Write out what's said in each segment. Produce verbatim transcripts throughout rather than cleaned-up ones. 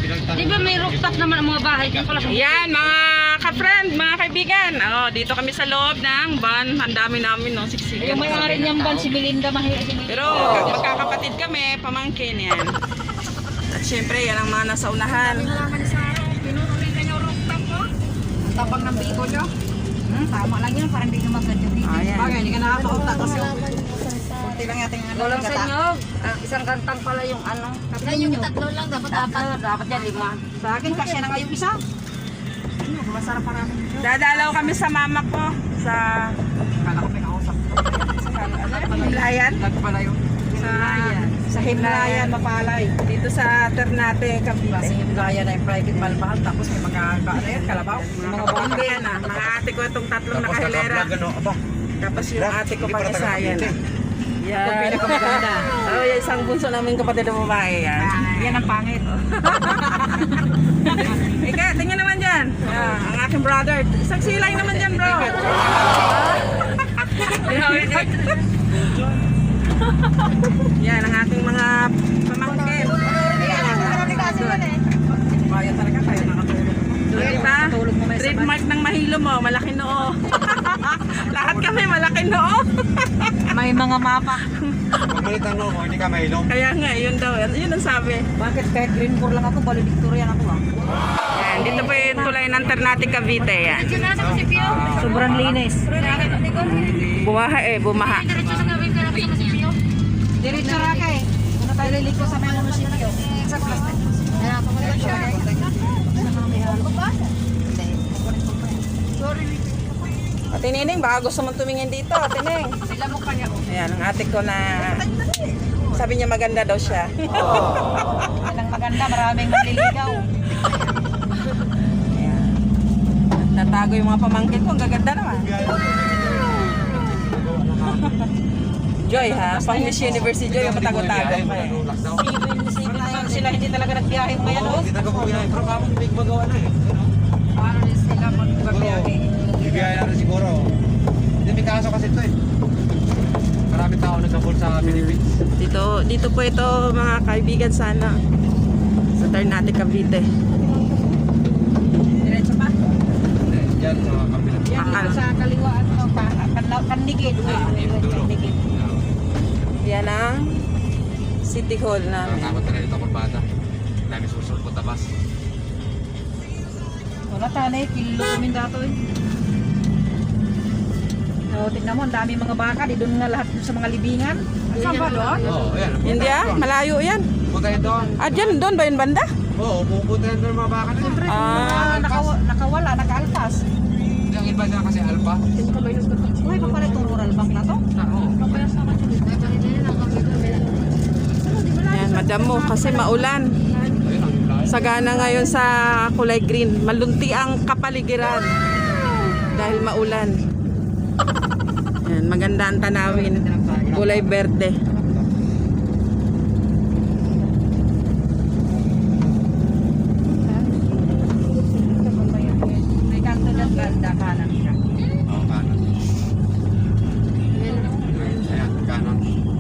Di ba may rooftop naman ang mga bahay? Yan, mga ka-friend, mga kaibigan. Oh, dito kami sa loob ng van. Ang dami namin, no? Siksikan. Yung may-ari niyang ban, si Belinda Mahira. Pero magkakapatid kami, pamangkin yan. At syempre, yan ang mga nasa unahan. Tapang ng bigo nyo. Hmm, tama lang yun, parang hindi ka magka-jogi. Ayan. Bagay, hindi ka nakakaunta kasi yung kunti lang yating ano. Walang sa inyo, ah, isang kantang pala yung ano. Kapila yung tatlo lang, dapat apat. Dapat yan, lima. Sa akin, kasi na nga yung isa. Ano, masarap parang. Dadalaw kami sa mama ko. Sa... Kala ko may kausap. Himlayan? Nagpalayo. Sa... Sa Himlayan, Mapalay. Dito sa Ternate, Kasi Cavite. yung gaya na yung private malmahal, tapos may mga ano yan, kalabaw. Mga bombe yan ah. Mga ate ko itong tatlong nakahilera. Tapos yung ate ko pang isa yan. Yan. Yung pinakamaganda. Oh, yung isang bunso namin kapatid ng babae yan. Yan ang pangit. Ika, tingnan naman dyan. Ah, ang aking brother. Isang silay naman dyan, bro. Yan, ang aking mga pamangkin. Kaya talaga, kaya nakatulog. Diba? Natulog mo may sabay. Trademark ng mahilo mo, malaki noo. Lahat kami malaki noo. May mga mapa. Pagmalit ang loob, hindi ka mahilong. Kaya nga, yun daw. Yun ang sabi. Bakit kahit green core lang ako, bali Victorian ako ah. Yan, dito po yung tulay ng Ternate, Cavite. Yan. Sobrang linis. Bumaha eh, bumaha. Diretso raka eh. Muna tayo liliko sa mga munisipyo. Sa plastic. Ate Nining, baka gusto mong tumingin dito, Ate Ning. Sila mo pa niya. Ayan, ang ate ko na sabi niya maganda daw siya. Yan ang maganda, maraming naliligaw. Ayan. Natago yung mga pamangkin ko, ang gaganda naman. Joy ha, pang Miss Universe si Joy, yung matago-tago pa eh. Sipin na yun sila, hindi talaga nagbiyahe ngayon. Oo, hindi taga pumilahin. Pero kamang big magawa na eh. Paano rin sila magbiyahe? Bibiyaya natin siguro. Hindi may kaso kasi ito eh. Maraming tao nagkabol sa Philippines. Dito, dito po ito mga kaibigan sana. Sa Ternate, Cavite. Diretso pa? Hindi, yan sa kabilang. Yan, dito sa kaliwaan mo, Kandigid. Kandigid. Yan ang City Hall na. Nakakot na dito akong bata. Dami susulpot na bus. Wala tanay, kilo kami dato eh. So, tignan mo, ang dami mga baka, di doon nga lahat sa mga libingan. Saan ba doon? Oo, ayan. Hindi ah, malayo yan. Punta yun doon. Ah, dyan, doon ba yung banda? Oo, pupunta yun doon mga baka na yun. Ah, Nakawa, nakawala, nakaalpas. Yung iba na kasi alpa. Uy, pa pala itong rural bank na to? Oo. yan, madam mo, kasi maulan. Ayun ang lahat. Sagana ngayon sa kulay green. Malunti ang kapaligiran. Dahil maulan. Yan, maganda ang tanawin. Kulay berde. May kanto ng ganda kanan siya. Oo, kanan. Ayan, kanan.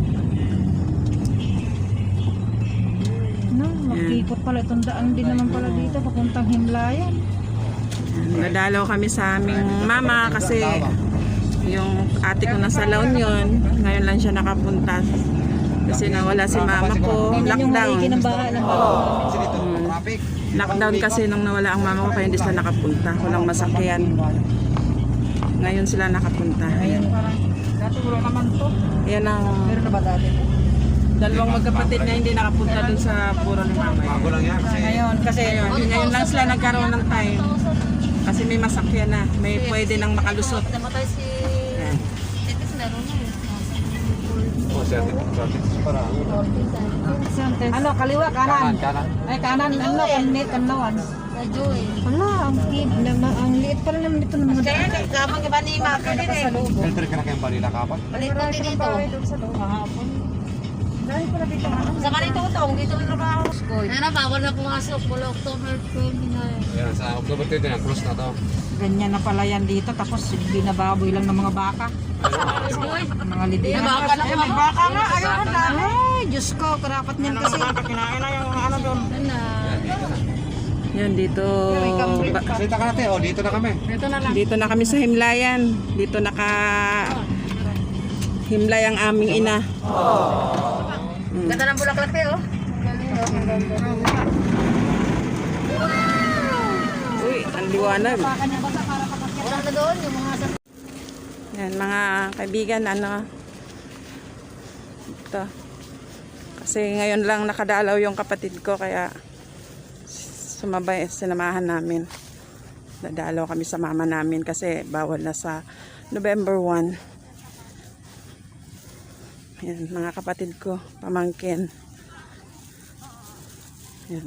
No, makikot pala itong daan din naman pala dito, papuntang Himlayan. Nadalaw kami sa aming mama kasi yung ate ko nasa La Union. Ngayon lang siya nakapunta. Kasi nawala si mama ko. Ganyan yung Lockdown. maigi ng bahay ng Kasi dito, traffic. Lockdown kasi nung nawala ang mama ko kaya hindi sila nakapunta. Walang masakyan. Ngayon sila nakapunta. Ayun, parang, dati wala naman to. Yan ang Meron na ba dati? dalawang magkapatid na hindi nakapunta dun sa puro ni mama. Bago lang yan kasi Ngayon, kasi Ngayon, ngayon lang sila nagkaroon ng time. Kasi may masakyan na. May pwede nang makalusot. Namatay si... Yan. Titis meron na eh. oh, siya dito para ano, kaliwa, kanan. kanan. Ay, kanan, ano, kanit, kanawan. Radyo eh. Wala, ang kid, naman, ang liit pala naman dito naman. Kaya nagkamang iba ni Mako din eh. Filter ka na kayong balila kapat. Balik na din dito. Sa loob, hahapon. Dahil pala dito, ano? Sa kanito utong, dito ang trabaho. Ano na, bawal na pumasok. Mula October twenty-nine. Ayan, sa October twenty na, close na to. Ganyan na pala yan dito, tapos binababoy lang ng mga baka. Mga libingan. May baka na Eh, may baka nga, ayun na. Ay, Diyos ko, karapat niyan kasi. Kinain na yung ano doon. Ano na? Ayan, dito na. Yan, dito. ba- Salita ka natin, oh, dito na kami. Ito na lang. Dito na kami sa Himlayan. Dito naka Himlay ang aming ina. Ganda ng bulaklak eh, oh. Uy, ang liwanag. Wala na doon, yung mga sa... Yan, mga kaibigan, ano. Ito. Kasi ngayon lang nakadalaw yung kapatid ko, kaya sumabay, sinamahan namin. Dadalaw kami sa mama namin kasi bawal na sa November first. Yan, mga kapatid ko, pamangkin. Yan.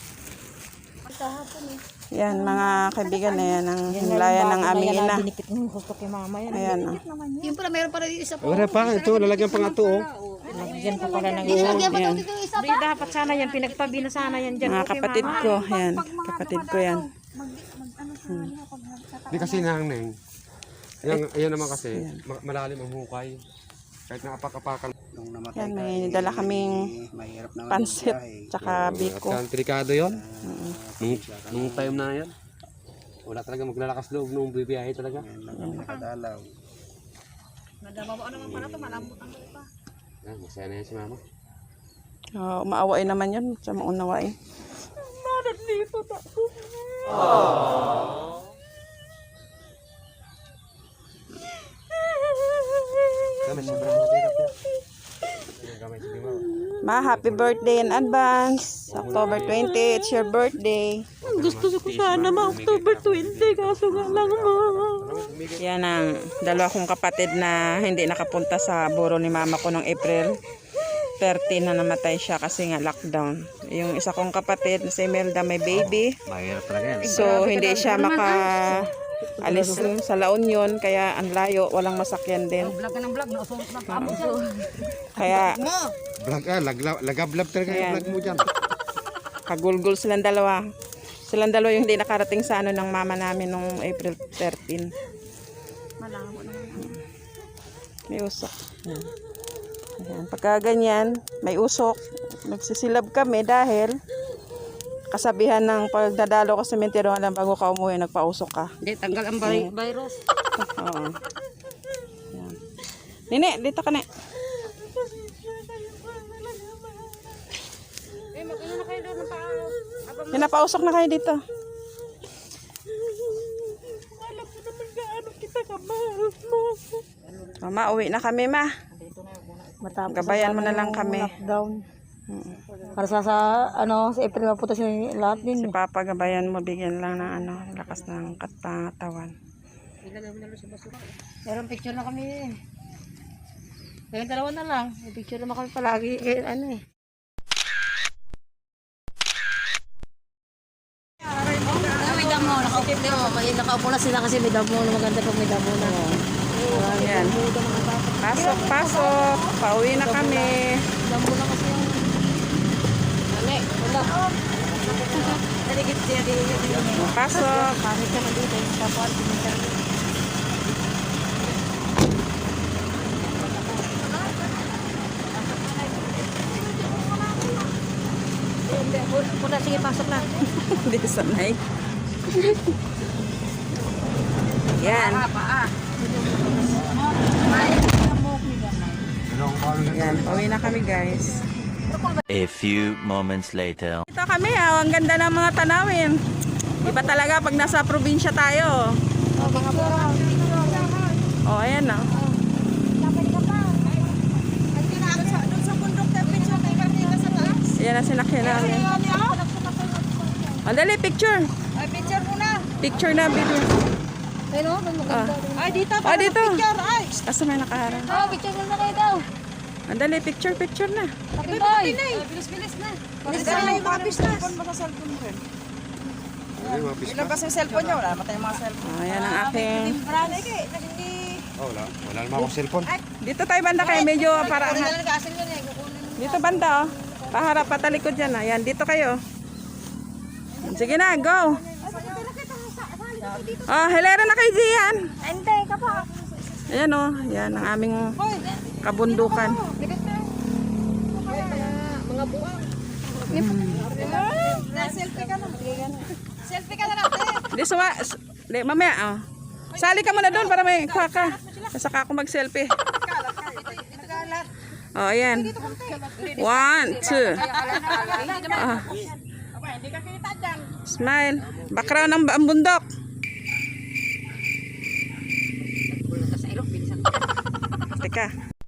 Yan, mga kaibigan na yan, ang himlayan ng aming ina. Ayan, oh. Yung pala, meron pa rin yung isa po. Wala pa, ito, lalagyan pa nga ito, oh. Lagyan pa pala ng Lagyan pa Ayan. daw dito yung isa Hindi, pa. dapat sana yan. Pinagtabi na sana yan dyan. Mga Okay, kapatid mama. ko, yan, kapatid ko yan. Hindi kasi nangneng. Ayan, ayan naman kasi, ma- malalim ang hukay. Kahit naapak-apakan. Yan, may dala kaming pansit, tsaka biko. At delikado yun. Nung, nung time na yan. Wala talaga maglalakas loob nung bibiyahe talaga. Nakadalaw. Nadabawa naman pala ito, malambot ang lupa. Ah, masaya na yan si mama. Oh, maawain naman yun, sa maunawain. Kami, sobrang mahirap yan. Kami, sige mama. Ma, happy birthday in advance. October twentieth, it's your birthday. Gusto ko sana ma-October twenty. Kaso nga lang, ma. Yan ang dalawa kong kapatid na hindi nakapunta sa buro ni mama ko noong April thirteen na namatay siya kasi nga lockdown. Yung isa kong kapatid na si Imelda may baby. Mahirap talaga yan. So hindi siya maka alis sa La Union kaya ang layo, walang masakyan din. Vlog ka ng vlog, nausulot na pa. Kaya Vlog ah, lagla- lagablab talaga yung Ayan. vlog mo dyan. kagulgul silang dalawa. Silang dalawa yung hindi nakarating sa ano ng mama namin nung April thirteen. May usok. Ayan. Ayan. Pagka ganyan, may usok. Nagsisilab kami dahil kasabihan ng pagdadalo ko sa sementeryo, alam bago ka umuwi, nagpausok ka. Hindi, tanggal ang vi- virus. Oo. Ayan. Nini, dito ka na. Eh, mag-ano na kayo doon ng paano? Yan, napausok na kayo dito. Mama, uwi na kami, ma. Matapos Gabayan mo na lang kami. lockdown. Para sa, sa ano, sa April mapunta si lahat din. Si Papa, gabayan mo, bigyan lang ng ano, lakas ng katawan. Meron picture na kami. Kaya dalawa na lang. May picture naman kami palagi. Eh, ano eh. May damo, nakaupo mo. May nakaupo na sila kasi may damo na maganda pag may damo na. Ayan. Pasok, pasok. Pauwi na kami. Damo na kasi yung... Ano eh, wala. Naligit siya dito. Pasok. Pangit ka na dito. Yung tapuan, pinita. Muna, sige, pasok na. Hindi sanay. Yan. Yan, pauwi na kami, guys. A few moments later. Ito kami, ah. Ang ganda ng mga tanawin. Iba talaga pag nasa probinsya tayo. Oh, ayan na. Ayan na sinakyan namin. Andali, picture. Ay, picture mo na. Picture na, video. Ayun o, Ah, Ay, dito. ah dito. Picture, ay. Asa may nakaharang. Oh, picture mo na kayo daw. Andali, picture, picture na. Tapi boy. Bilis-bilis na. Bilis na yung mga business. Ilabas yung cellphone niya, wala matay yung mga cellphone. Oh, ayan ang aking... Oh, wala. Wala naman akong cellphone. Dito tayo banda kayo, medyo para Kunin angat. na lang kasil yun eh. Kukunin mo. Dito banda, oh. Paharap, patalikod dyan, ah. Ayan, dito kayo. Sige na, go. Oh, helera na kayo diyan. Hindi, ka pa. Ayan, oh. Ayan ang aming kabundukan. Mga buwang. Selfie ka na. Selfie ka na natin. Di, suwa. Di, mamaya, oh. Sali ka muna doon para may kuha ka. Saka ako mag-selfie. Oh, ayan. One, two. Ah. Smile. Background ng ang bundok. Teka.